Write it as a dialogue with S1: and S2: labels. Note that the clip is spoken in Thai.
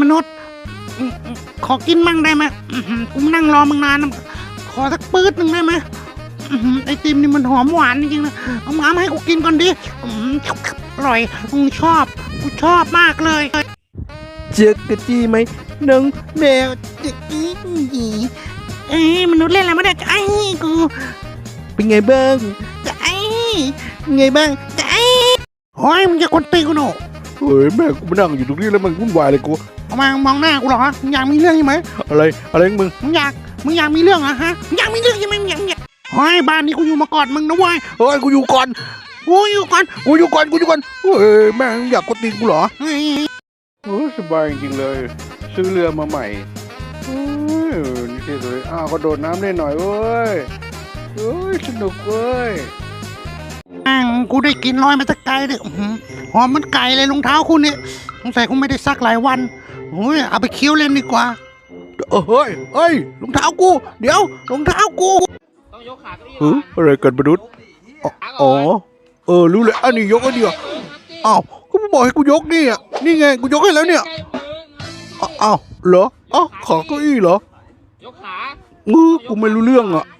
S1: นุษย์ขอกินมั่งได้ไหมกูนั่งรอมึงนานนะขอสักปื๊ดหนึ่งได้ไหมไอติมนี่มันหอมหวานจริงๆนะเอามาให้กูกินก่อนดิอร่อยกูชอบมากเลย
S2: เจอกระจี้ไหมน้องแมวจะอี
S1: มนุษย์เล่นอะไรไม่ได้จะไอ้กู
S2: เป็นไงบ้าง
S1: จะไอ้
S2: ไงบ้าง
S1: จะไอ้โอ้ยมึงจะคนตีกูหนู
S2: เฮ้ยแม่กูมานั่งอยู่ตรงนี้แล้วมันวุ่นวายเลยกู
S1: เอามามองหน้ากูเหรอมึงอยากมีเรื่องใช่ไหม
S2: อะไรมึง
S1: อยากมีเรื่องอะฮะอยากมีเรื่องใช่ไหมมึงอยากเฮ้ยบ้านนี้กูอยู่มาก่อนมึงนะเว้ย
S2: เฮ้ยกูอยู่ก่อนเฮ้ยแม่อยากกดตีนกูเหรอสบายจริงเลยซื้อเรือมาใหม่นี่ที่สุดก็โดดน้ำได้หน่อยเว้ยสนุกเว้ย
S1: กูได้กินลอยมาตะไกลเลยหอมมันไก่เลยรองเท้าคุณเนี่ยสงสัยคุณไม่ได้ซักหลายวันเอาไปเคี้ยวเล่นดีกว่า
S2: เฮ้ยรองเท้ากูเดี๋ยวรองเท้ากู
S3: ต้องยกขาเก้าอี้
S2: อะไรกันมนุษย์รู้เลยอันนี้ยกอันเดียวอ้าวก็บอกให้กูยกนี่ไงกูยกให้แล้วเนี่ยอ้าวเหรอขาเก้าอี้เหรอย
S3: กขา
S2: กูไม่รู้เรื่องอ่ะ